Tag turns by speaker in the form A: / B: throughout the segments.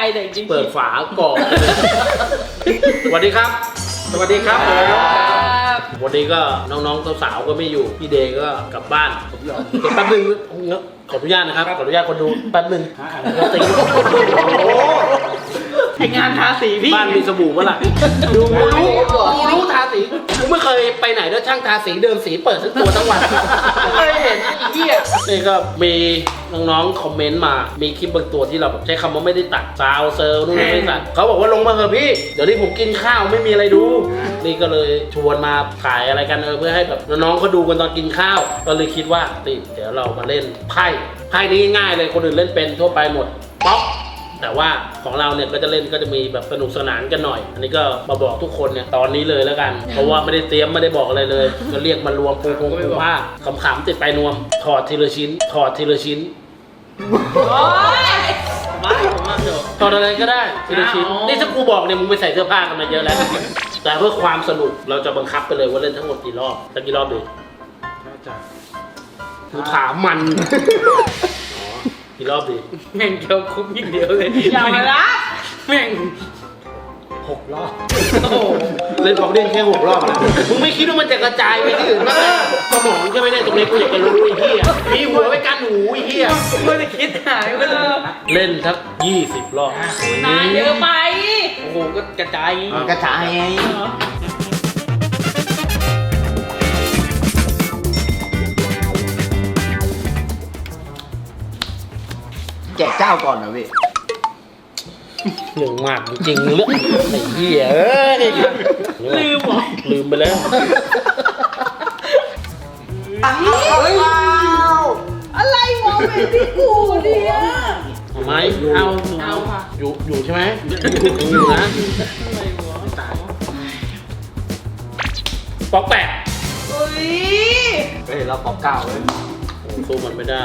A: แต่จริงๆ
B: เปิดฝากรอกสวัสดีครับ สวัสดีครับวันนี้ก็น้องๆสาวๆก็ไม่อยู่พี่เดย์ก็กลับบ้านผมยอมเดี๋ยวแป๊บนึงขออนุญาตนะครับขออนุญาตคนดูแป๊บนึง
A: ไองานทาสีพี่
B: บ้านมีสบู่เมื่อไหร่ดูรู้ทาสีกูไม่เคยไปไหนแล้วช่างทาสีเดิมสีเปิดทั้งตัวทั้งวันไม่เคยเห็นเหี้ยนี่ก็มีน้องๆคอมเมนต์มามีคลิปบางตัวที่เราแบบใช้คำว่าไม่ได้ตัดซาวเซอร์นู่นไม่ได้ตัดเขาบอกว่าลงมาเถอะพี่เดี๋ยวนี้ผมกินข้าวไม่มีอะไรดูนี่ก็เลยชวนมาถ่ายอะไรกันเพื่อให้แบบน้องๆเขาดูกันตอนกินข้าวก็เลยคิดว่าเดี๋ยวเรามาเล่นไพ่นี้ง่ายเลยคนอื่นเล่นเป็นทั่วไปหมดป๊อกแต่ว่าของเราเนี่ยก็จะเล่นก็จะมีแบบสนุกสนานกันหน่อยอันนี้ก็มาบอกทุกคนเนี่ยตอนนี้เลยแล้วกันเพราะว่าไม่ได้เตรียมไม่ได้บอกอะไรเลยก็เรียกมารวมปูผ้าขำๆติดไปนวมถอดทีละชิ้นถอดทีละชิ้นถอดอะไรก็ได้ทีละชิ้นนี่ถ้ากูบอกเนี่ยมึงไปใส่เสื้อผ้ากันมาเยอะแล้วแต่เพื่อความสนุกเราจะบังคับไปเลยว่าเล่นทั้งหมดกี่รอบสักกี่รอบดีกูถามมันกี่รอบดี
A: แม่งเกี่ยวคุบอย่างเดียวเลยอย่ามาละแม่ง
B: 6 รอบเล่นของเล่นแค่6 รอบนะมึงไม่คิดว่ามันจะกระจายไปที่อื่นบ้างสมองใช่ไหมเนี่ยตรงนี้กูอยากจะรู้ไอ้เหี้ยมีหัวไว้กันหูไอ้เหี้ย
A: ไม่ได้คิดหายไปเลย
B: เล่นทัก20 รอบ
A: นานเยอะไปโอ้โหก็กระจาย
C: กระจายไงแจกเจ้าก่อนนะพี่
B: เรื่องมากจริงๆเรื่องไอ้เหี้ย
A: ลืมเหรอ
B: ลืมไปแล้ว
A: อะไรวะเป็นพี่กูเนี่ย
B: ทำไมเอาค่ะอยู่ใช่ไหมอยู่นะป๊อกแปะ
A: เฮ้ย
C: เราป๊อกเก่าเลย
B: สู้มันไม่ได้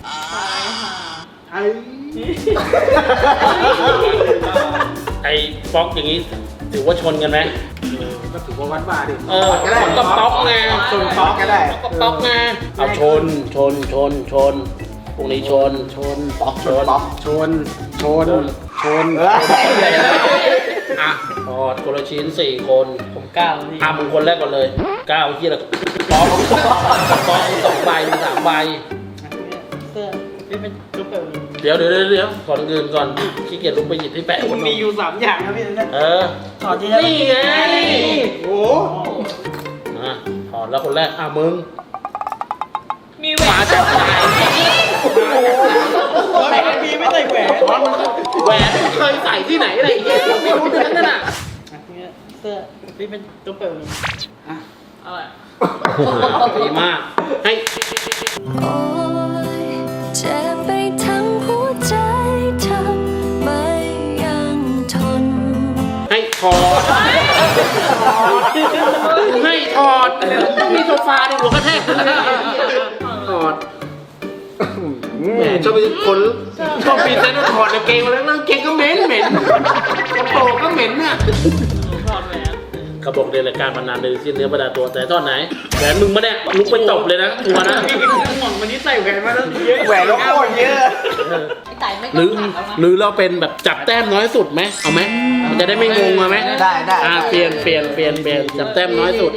B: ไอ้ป๊อกอย่างนี้ถือว่าชนกันไหม
C: ก็ถือว่าวัดบาดิ
B: ก็ป๊อกไง
C: ชนป๊อกก็ได้
B: ก็ป๊อกไงเอาชนพวกนี้ชน
C: ป๊อกชน
B: อ่ะพอคนละชิ้น4 คน
A: ผม9นี่
B: มึงคนแรกก่อนเลย9ที่ละป๊อก2 ใบมี3 ใบ
A: เสื้อนี่เป็นลูกเต๋อ
B: เดี๋ยวขอเงินก่อนขี้เกียจลุกไปหยิบที่แปะ
A: มันมีอยู่3 อย่างนะพี่นะถอดที่
B: นี่ไง
C: โอ้
B: ถอดแล้วคนแรกมึง
A: มีแหวน
B: จับใจ
A: แหวนมีไม่ใส่แหวน
B: เคยใส่ที่ไหนอะไรอย่างเงี้ยไม่รู้เรื่องนั่นน่ะ
A: เสื้อนี่เป็นลูกเต๋ออะไร
B: ดีมากให้
D: เจ็บไปทั้งหัวใจทำไม่ยังทน
B: ให้ถอดมีโซฟาในหัวกระแทกถอดแหมชอบเป็นคนชอบปีนเต้นถอดกางเกงมาแล้วกางเกงก็เหม็นกระโปรงก็เหม็นเนี่ยเขาบอกในรายการมานานเลยสิ้นเนื้อประดาตัวแต่ตอนไหนแหวนมึงมาเนี่ยลุกไปตบเลยนะตัวนะ
A: หม่องวันนี้ใส่แหวนมาแล้วเยอะ
C: แหวนแล้วโคตรเยอะ
B: หรือเราเป็นแบบจับแต้มน้อยสุดไหมเอาไหมมันจะได้ไม่งงมาไหม
C: ได้
B: เปลี่ยนจับแต้มน้อยสุด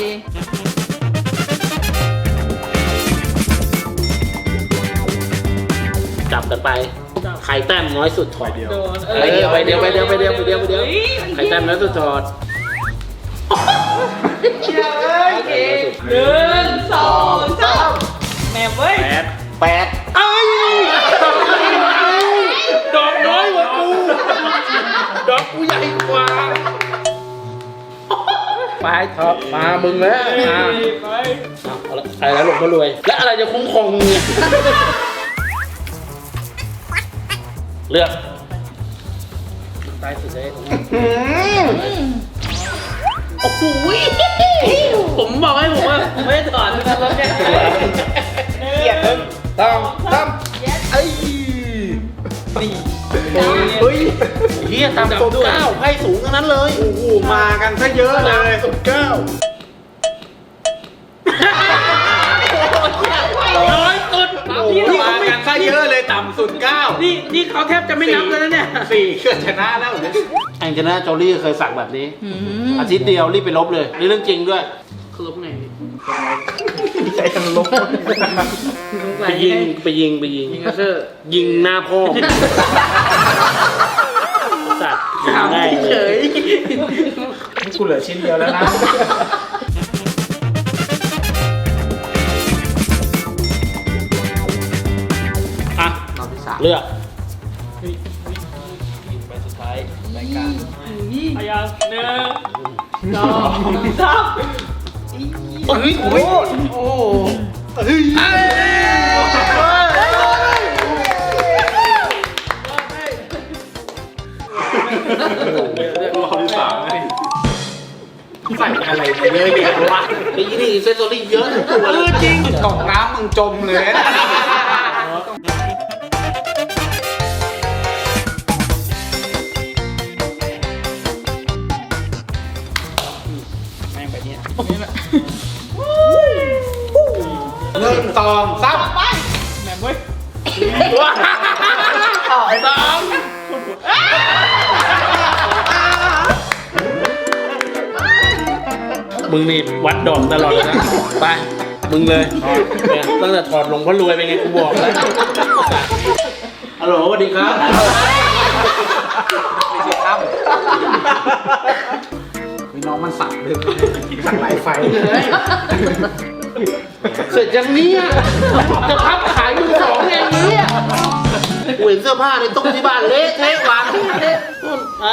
B: จับกันไปใครแต้มน้อยสุดถอดไปเดียวใครแต้มน้อยสุดถอด
A: โอเค1 2 3แม่เว้ย
C: 8
B: ดอกน้อยกว่ากูดอกกูใหญ่กว่าไปท็อปมามึงแล้วอะไรหลงมารวยและอะไรจะคุ้มครองมึงเนี่ยเลือกตายสุดเลยโอ้โหผมบอกให้ผมว่าไม่ถอดแล้วแค่
C: เกียดต้องไอ้
B: เฮ้ยเฮียตามสุด9ไพ่สูงทั้งนั้นเลย
C: โอ้โหมากันซะเยอะเลย
B: สุด9น้อยสุด
C: มากันซะเยอะเลยต่ำสุด9
B: นี่เขาแทบจะไม่นับแล้วนะเนี่ย
C: 4เกือบชนะแล้ว
B: แองเจลิน่าโจลี่เคยสักแบบนี้ อาทิตย์เดียวรีบไปลบเลยนี่เรื่องจริงด้วย
A: คือลบไง
C: ใจทั้งลบ
B: ไปยิง
A: ยิงกระเซอร์
B: ยิงหน้าพ่อสัตว์ง่ายเลย
C: กูเหลือชิ้นเดียวแล้วนะ
B: อ่ะ
C: รอบที่3
B: เลือก
C: ใบสุดท้ายรายการ
A: พยายาม1 2 3
B: โอ้ยโอ้รอบที่ 3
C: ใส่อะไรมาเยอะแยะวะ
B: ไอ้นี่เซนซอรี่เยอะตัวเลยจริง
C: กล่องน้ำมึงจมเลยนะ
A: แม่งไปเนี่ย
C: 1 2 3
A: แม่งเว้ย
B: ว้าไอ้สองมึงนี่วัดดอกตลอดเลยนะ ไป มึงเลยเนี่ยตั้งแต่ถอดหลงพ่อรวยไปไงกูบอกแล้วฮัลโหลสวัสดีครับ
C: ไม่ใช่ครับมีน้องมันสักด้วยสักหลายไฟ
B: เสร็จยังเนี้ยจะพับขายมือสองเองเนี่ยกูเห็นเสื้อผ้าในตู้ที่บ้านเละเทะวางเละนู่นไป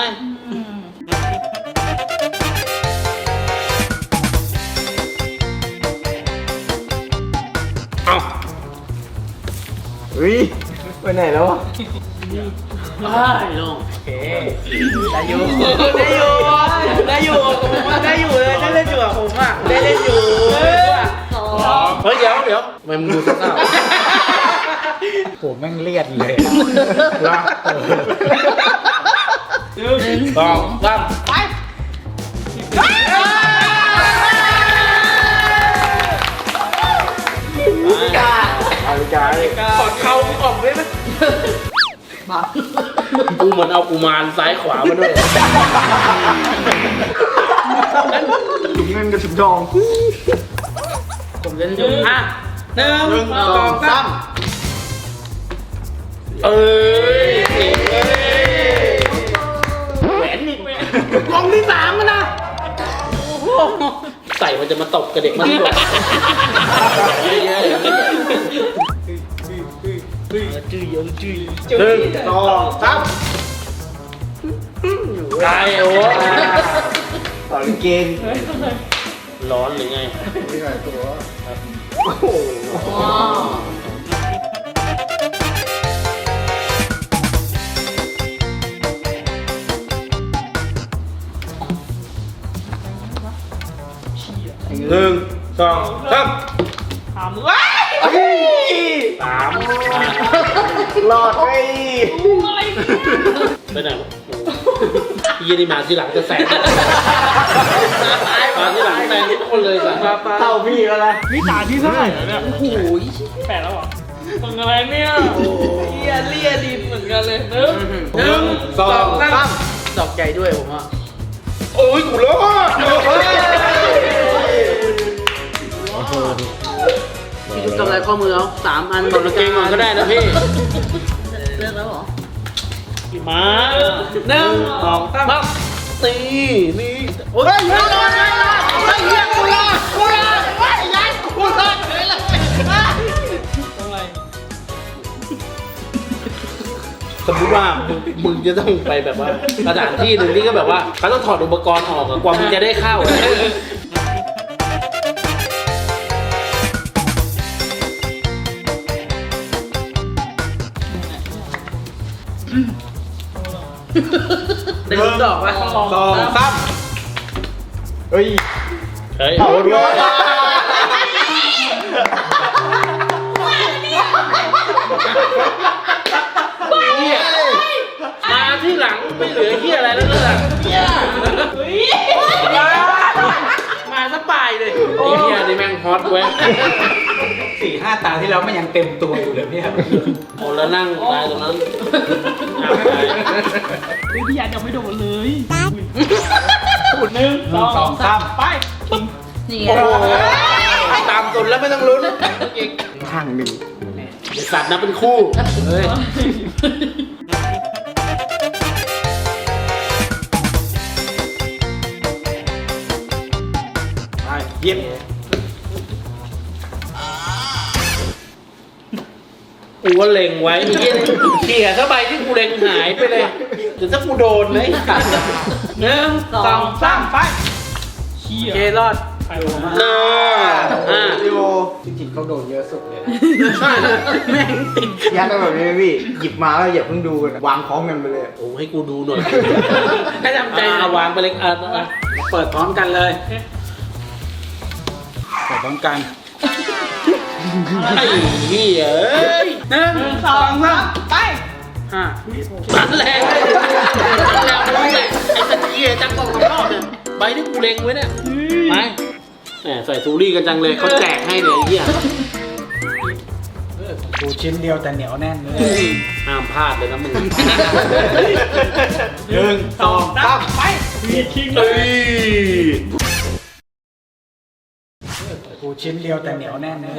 B: เอา
C: เฮ้ยไปไหนแล้ววะ
B: ไปลง
A: โอเคได้อยู่ได้อยู่ได้อยู่ได้อยู่เลยได้เล่นอยู่กับผมอ่ะได้เล่นอยู่
B: เฮ้ยเดี๋ยวทำไมมึงดูเศร้า
C: โหแม่งเลียดเลยละ
B: ๆ2 3ไป
C: เอาใจ
A: ขอเขาออกได้ไหม
B: กูเหมือนเอากุมารซ้ายขวามาด้วย
C: ถุงเงินกับถุงทอง
A: ผมเล่นอยู่อ่ะ1 2 3
B: เอ้ยแหวนนี่กล่องที่3กันนะใส่มันจะมาตบกับเด็กมันด้วยเยอะๆ
A: จื้อเยอะจื้อ
C: 1 2 3
B: ตายโอ้
C: ต่อเกง
B: ร้อนหรือไง
C: นี่ไงตัว
B: โอ้โห1 2 3
A: ถามว้า
C: หลอดไอ้
B: ไปไหนวะยี่นี่มาที่หลังจะแสงมาที่หลังแสงทุกคนเลยสัส
C: เท่าพี่แล้วนะ
A: นี่ตาที่เท่าไหร่แล้วเนี่ยโอ้โห8แล้วเหรอมึงอะไรเนี่ยเลียดินเหมือนกันเลย1 2 3ดอกใหญ่ด้วยผมอ่ะ
C: โอ้ยกูรอด
A: มีชุดกำไรข้อมือเอา3 อัน
B: กดเกงก่อนก็ได้นะพี่
A: เลือกแล้วเหรอ
B: มา1 2 3ตีนี่โอ้ยไม่รอดไอ้เหี้ยกูรอดไอ้ยันกูรอดเลยสมมติว่ามึงจะต้องไปแบบว่าสถานที่หนึ่งที่ก็แบบว่าเขาต้องถอดอุปกรณ์ออกกว่ามึงจะได้เข้า
A: ได้ลุ้นดอกวะ
C: 2 3เฮ้ย
B: เฮ้ย
C: โอ้ย
B: เนี่ยมาที่หลังไม่เหลือเหี้ยอะไรแล้วเลย
A: มาสปายเลย
B: ไอ้เหี้ยนี่แม่งฮอตเว้ย
C: 4-5 ตาที่แล้วมันยังเต็มตัวอยู่เลยเนี่ย
B: คนละนั่งตายตรงนั้น
A: เฮ้ยพี่ยันยังไม่โดนเลยหนึ่งสองสามไป
E: นี่
B: โอ้โหตามตุนแล้วไม่ต้องลุ้น
C: ข้างหนึ่ง
B: ไอ้สัตว์นับเป็นคู่เฮ้ยไปเย็บกูก็เล็งไว้ไอ้เหี้ยเขี่ยซะใบที่กูเล็งหายไปเลยเดี๋ยวถ้ากูโดนนะไอ้สัตว์
A: หนึ่งสองสามไปเชี่ย
B: เครอด
A: ใครโดนมา
B: น่า
C: วิโอจริงๆเขาโดนเยอะสุดเลยนะ
B: แม่งติด
C: ยัดแบบนี้พี่หยิบมาแล้วอย่าเพิ่งดูกันวางพร้อมกันไปเลย
B: โอ้ให้กูดูหน่อยให้ทำใจวางไปเลยเปิดพร้อมกันเลย
C: เปิดพร้อมกัน
B: ไอ้เหี้ยเอ้ย
A: หนึ่งสองสามไป
B: นั่นแหละนั่นแหละไอ้ตะเกียจังกองรอบเนี่ยใบที่กูเล็งไว้เนี่ยไปแหมใส่ซูรี่กันจังเลยเขาแจกให้เนี่ยไอ้เหี้ย
C: กูชิ้นเดียวแต่เหนียวแน่นเลย
B: ห้ามพลาดเลยนะมึง
C: 1 2 3
A: ไปมีคิงเล
B: เอ้
A: ย
B: ย
C: กูชิ้นเดียวแต่เหนียวแน่นเลย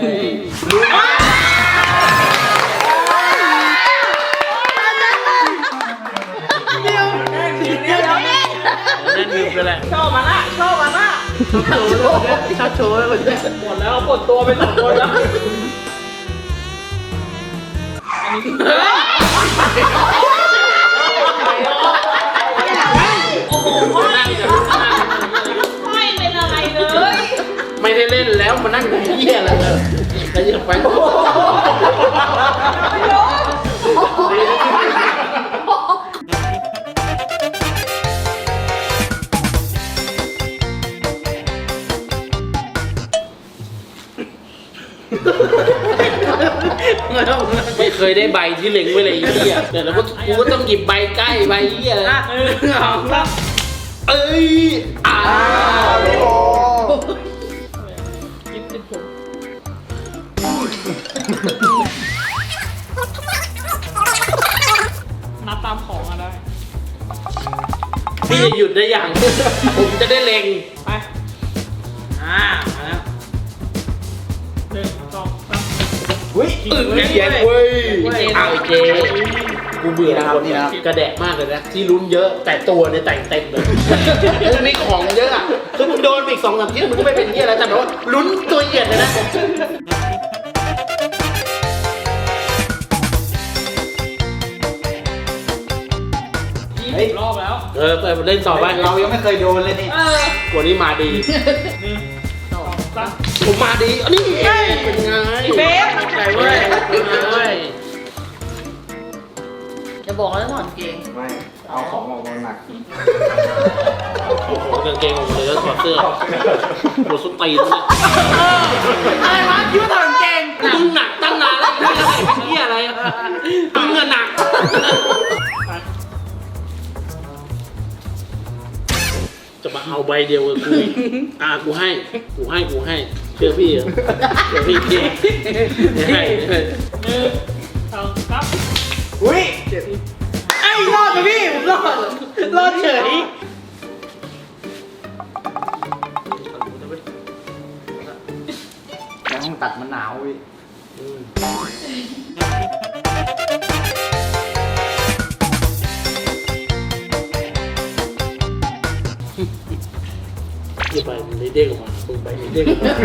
B: นั่นลืมไปแหละ
A: ชอบมาละชอบมาละ
B: ชอบโชว์เลย
A: หมดแล้วหมดตัวไป2 คนแล้วอันนี้โอ้โหไม่เป็นอะไรเลย
B: ไม่ได้เล่นแล้วมานั่งดูเหี้ยอะไรเลยแล้วยังไปไม่เคยได้ใบที่เล็งไว้เลยไอ้เหี้ยแต่แล้วกูก็ต้องหยิบใบใกล้ใบเหี้ยเลย
A: หนึ่งสองสาม
B: เอ้ย
A: ยิบติดผมนับตามของอะได้
B: พี่จะหยุดได้อย่าง ผมจะได้เล็ง
A: ไปมาแล้วหนึ่งสองสาม
C: อุ้ย
B: เขียนเว้ยเอาไอ้เจกูเบื่อคนกระแดะมากเลยนะที่ลุ้นเยอะแต่ตัวเนี่ยแต่งเต็มเลยคือมีของเยอะอ่ะคือมึงโดนไปอีก2-3ทีมึงก็ไม่เป็นที่อะไรแต่แบบว่าลุ้นตัวเหยียดเลยนะ
A: 20 รอบแล้ว
B: ไปเล่นต่อไป
C: เรายังไม่เคยโดนเลยนี่
B: กว่านี้มาดี
A: หนึ่งสองสาม
B: ผมมาดีอันนี้เป็นไง
A: เบฟ
B: ใจเว้ยเป็นไงเว้ย
E: จะบอกแล้วถอนเกง
C: ไม่ เอาของออกมาหนัก
B: โอ้โหกางเกงออกมาเลยแล้วถอดเสื้อหัวสุดตีนเนี่ย
E: อะไรวะคิดว่าถอนเกง
B: มึงหนักตั้งนานแล้วเป็นเหี้ยอะไรมึงอะหนักจะมาเอาใบเดียวกับกูกูให้เชื่อพี่เหรอเชื่อพี่ให้
A: หนึ่งสองสาม
C: อุ้ย
A: ไอ้รอดไปพี่ผมรอดเฉย
C: ในห้องตัดมันหนาวพี่
B: ที่ใบมันได้เด้งออกมามึงใบมันเด้งออกมา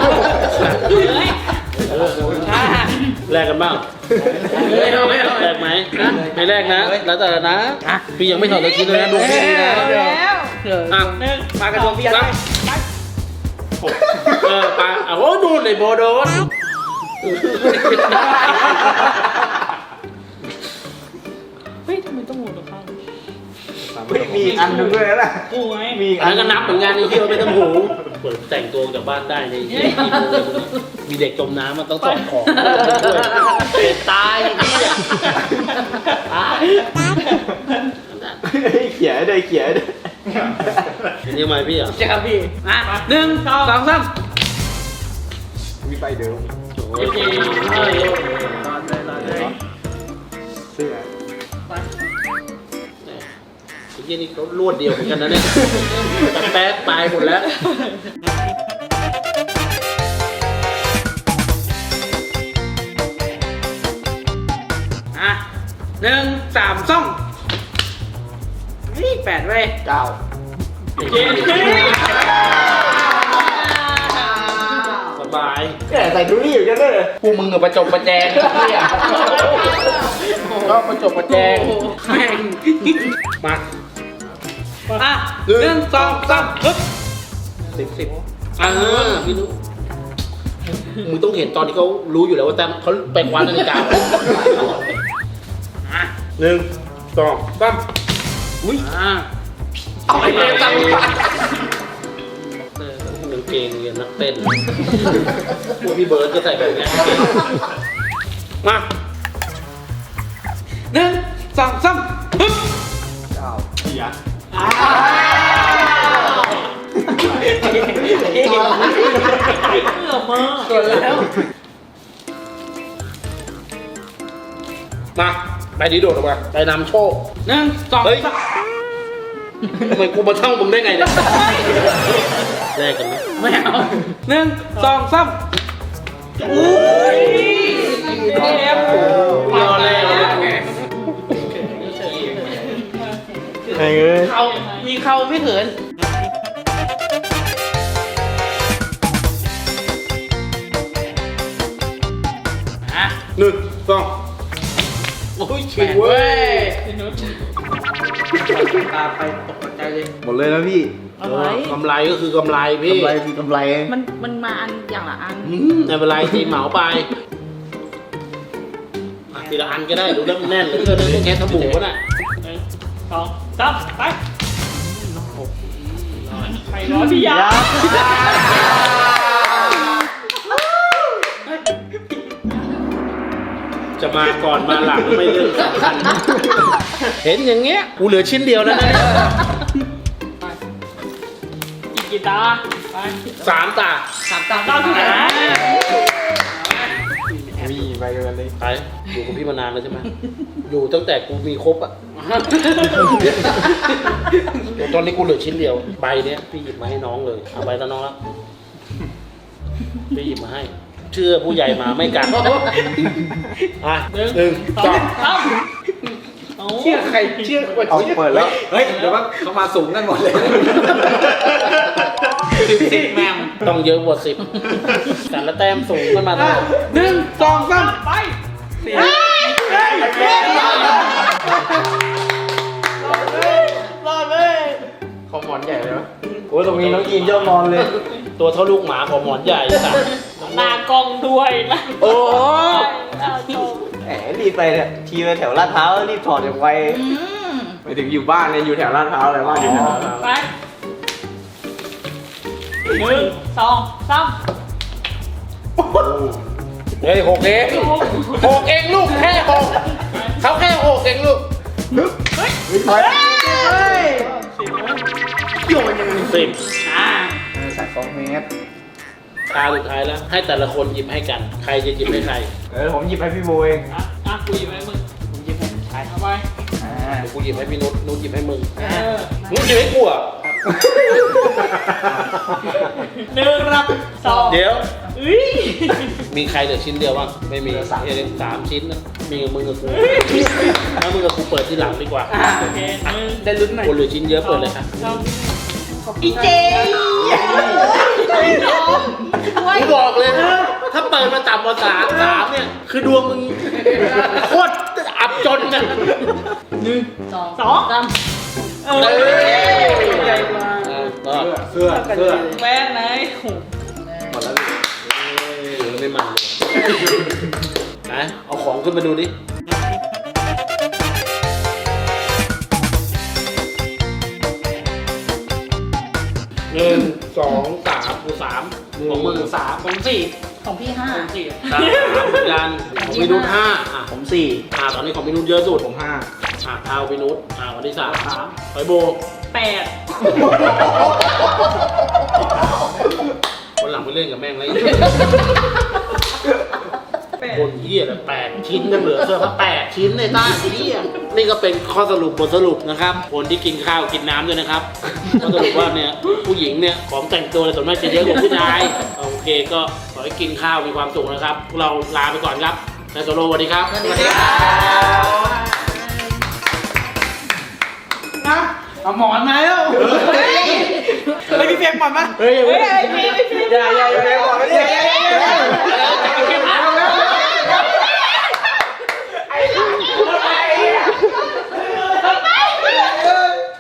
B: แลกกันบ้างแลกไหมไม่แลกนะแล้วแต่นะพี่ยังไม่ถอดตะกี้เลยนะดูพี่ดีนะ
A: แล้วหนึ่ง
C: มากระโดดพี่ยัด
B: ปาโอ้ดูเลยโบโดน
A: เฮ้ยทำไมต้องหมุนตัวข้าง
C: มีอีกอันหนึงด้วยนะ
A: กูไง
C: มีอีก
B: อันนั้นก็นับเหมือนกันไอ้ที่มันเป็นตำหูเปิดแต่งตัวจากบ้านได้ในมีเด็กจมน้ำมันต้องสอดของด้วยตายนี่ตาย
C: เขียได้เขียได้
B: นี่ทำไมพี่อ่ะ
A: เจ้าพี่มาหนึ่งสองสาม
C: มีใบเดิม
B: โอ้โอเครอดเลย
C: เสื้อ
B: ไอ้ยี่นี่เขารวดเดียวเหมือนกันนะเนี่ยแต่แป๊กตายหมดแล้วอ่ะ1 3 2นี่8เว้ย
C: เก้า
B: โอเคสบาย
C: แกใส่ดูนี่อยู่กันเลย
B: พวกมึงกับประจบประแจงเนี่ยก็ประจบประแจงแม่งมาอ่ะ1 2 3ฮึบ10พี่รู้มึงต้องเห็นตอนที่เขารู้อยู่แล้วว่าแต่เขาไปคว้านาฬิกาอ่ะ1 2 3อุ้ยเอาไปเลยจังกางเกงเรียนนักเต้นพวกพี่เบิร์ดก็ใส่แบบนี้มา1 2 3ฮึบ
C: เก้าเขีย
B: ส่วนแล้วมาไปดีโดดออกมาไปนำโชค1 2 3ทำไมกูมาช่องมึงได้ไงเนี่ยแลกกันไหมไม่เอา1 2 3อุ้ยเอฟรอเลย
C: ไอ้เอ้ย
B: เขามีเขาไม่เขินอ่ะ1 2โอ้ยเฉียดเว้ยตาไปตกใจเลย
C: หมดเลยนะพี่
E: อะไร
B: กำไรก็คือกำไรพี่
C: กำไรคือกำไร
E: มันมาอันอย่างละอัน
B: ไม่เป็นไรตีเหมาไปอ่ะทีละอันก็ได้ดูแล้วมันแน่นเหลยเกินเลยแค่สบู่ก็ได้
A: 1 2 3ไปใครร้อนพี่ยา
B: จะมาก่อนมาหลังไม่เรื่องสำคัญเห็นอย่างเงี้ยกูเหลือชิ้นเดียวแล้วนะเนี่ย
A: อีกกี่ตาไป
B: 3 ตา
A: ตาที่ไหน
C: มีไปกันเลย
B: ไปอยู่กับพี่มานานแล้วใช่ไหมอยู่ตั้งแต่กูมีครบอ่ะเดี๋ยวตอนนี้กูเหลือชิ้นเดียวใบเนี้ยพี่หยิบมาให้น้องเลยเอาใบตาน้องแล้วพี่หยิบมาให้ เชื่อผู้ใหญ่มาไม่กัดอ่ะ1 2
C: เชื่อใครเชื่อว่าเอาเปิดแล้ว เฮ้ย เดี๋ยวว่าเขามาสูงกันหมดเลย
A: 10แมม
B: ต้องเยอะกว่า10แต่ละแต้มสูงขึ้นมาเท่าไหร่1 2 3
A: ไป
C: รอดเลยขอหมอนใหญ่เลยวะโอ้ยตรงนี้น้องยีนย่อมนอนเลย
B: ตัวเท่าลูกหมาของหมอนใหญ่สัตว์
A: หน้ากล้องด้วยนะ
C: โอ้
A: หน้ากล้อง
C: แหมรีบไปเนี่ยทีไปแถวลาดพร้าวรีบถอดอย่างไวไปถึงอยู่บ้านเนี่ยอยู่แถวลาดพร้าวเลยบ้านอยู่แถวลาดพร้าว
A: ไป1 2 3
B: เฮ้ย6 เอง6 เองลูกแค่6เขาแค่6 เองลูก
C: ถอยโยนยังไง
B: 10
C: ใส่2 เมตร
B: ตาสุดท้ายแล้ว ให้แต่ละคนหยิบให้กัน ใครจะหยิบให้ใคร
C: ผมหยิบให้พี่โบเอง
A: กูหยิบให้มึง
C: ผมหยิบให้ใช่
A: เอาไป
B: เดี๋ยวกูหยิบให้พี่นุชนุชหยิบให้มึง
A: 1
B: นุชหยิบให้กูอ่ะ
A: รับ2
B: เดี๋ยว
A: อุ้ย
B: มีใครเหลือชิ้นเดียวบ้างไม่มี3 ชิ้นนะมีกับมึงกับกูถ้ามึงกับกูเปิดที่หลังดีกว่า
A: โอเค
B: ได้ลุ้นไหมคนเหลือชิ้นเยอะเปิดเลยครับ
E: อีเจ
B: กูบอกเลยนะถ้าเปิดมาต่ำกว่า3เนี่ยคือดวงมึงโคตรอับจนกัน
E: 2 3
A: ใหญ่มา
B: ก็
C: เสื้อ
A: แม่ไหน
C: หมดแล้ว
B: ไม่มันเลยนะเอาของขึ้นมาดูดิ 1 2 3กู3ของมึง3ของ4
E: ของพี่ 5
A: 4
B: 3เหมือนกันของพี่นุช5อ่ะ
C: ผม
B: ตอนนี้ของพี่นุชเยอะสุด
C: ผม5
B: เท้าพี่นุชวันที่3หอยโบ
A: 8
B: คนหลังไปเล่นกับแม่งเลยชิ้นยังเหลือเสื้อผ้า8ชิ้นในต้าทีนี้นี่ก็เป็นข้อสรุปบทสรุปนะครับคนที่กินข้าวกินน้ำด้วยนะครับข้อสรุปว่าเนี่ยผู้หญิงเนี่ยของแต่งตัวส่วนมากจะเยอะกว่าผู้ชายโอเคก็ขอให้กินข้าวมีความสุขนะครับพวกเราลาไปก่อนครับไซโซโลสวัสดีครับ
A: สวัสดีครับนะเอาหมอนมาแล้วเฮ้ยพี่เฟียงหมอนมา
B: เฮ้ย
E: เฮ้ยพี่
B: อย่า